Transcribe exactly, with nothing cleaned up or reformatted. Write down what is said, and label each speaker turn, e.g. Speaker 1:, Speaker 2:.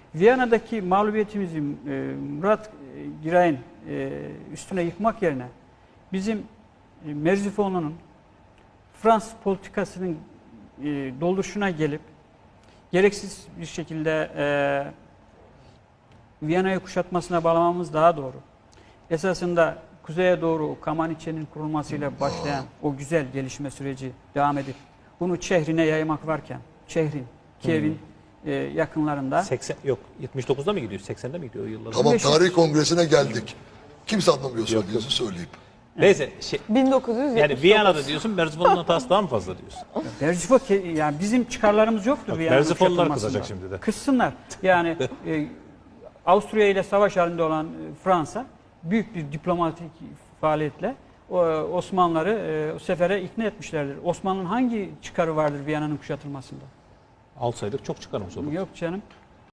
Speaker 1: Viyana'daki mağlubiyetimizi e, Murat e, Giray'ın e, üstüne yıkmak yerine bizim e, Merzifonlu'nun Fransız politikasının e, dolduruşuna gelip gereksiz bir şekilde e, Viyana'yı kuşatmasına bağlamamız daha doğru. Esasında kuzeye doğru Kamaniçe'nin kurulmasıyla başlayan o güzel gelişme süreci devam edip bunu Çehrin'e yaymak varken, Çehrin, Kiev'in hmm. e, yakınlarında.
Speaker 2: seksen yok yetmiş dokuzda mı gidiyor? seksende mi gidiyor o yıllarda?
Speaker 3: Tamam, tarih kongresine geldik. Kimse anlamıyor söylediğinizi söyleyeyim.
Speaker 2: Neyse şey,
Speaker 4: bin dokuz yüz yetmiş dokuz.
Speaker 2: yani Viyana'da diyorsun, Merzifon'un hatası daha mı fazla diyorsun?
Speaker 1: Merzifon yani bizim çıkarlarımız yoktur
Speaker 5: Bak,
Speaker 1: Viyana'nın
Speaker 5: Merzifonlular
Speaker 1: kuşatılmasında.
Speaker 5: kızacak şimdi de.
Speaker 1: Kızsınlar. Yani e, Avusturya ile savaş halinde olan e, Fransa büyük bir diplomatik faaliyetle o, Osmanlıları e, o sefere ikna etmişlerdir. Osmanlı'nın hangi çıkarı vardır Viyana'nın kuşatılmasında?
Speaker 2: Alsaydık çok çıkarmış olurdu.
Speaker 1: Yok canım.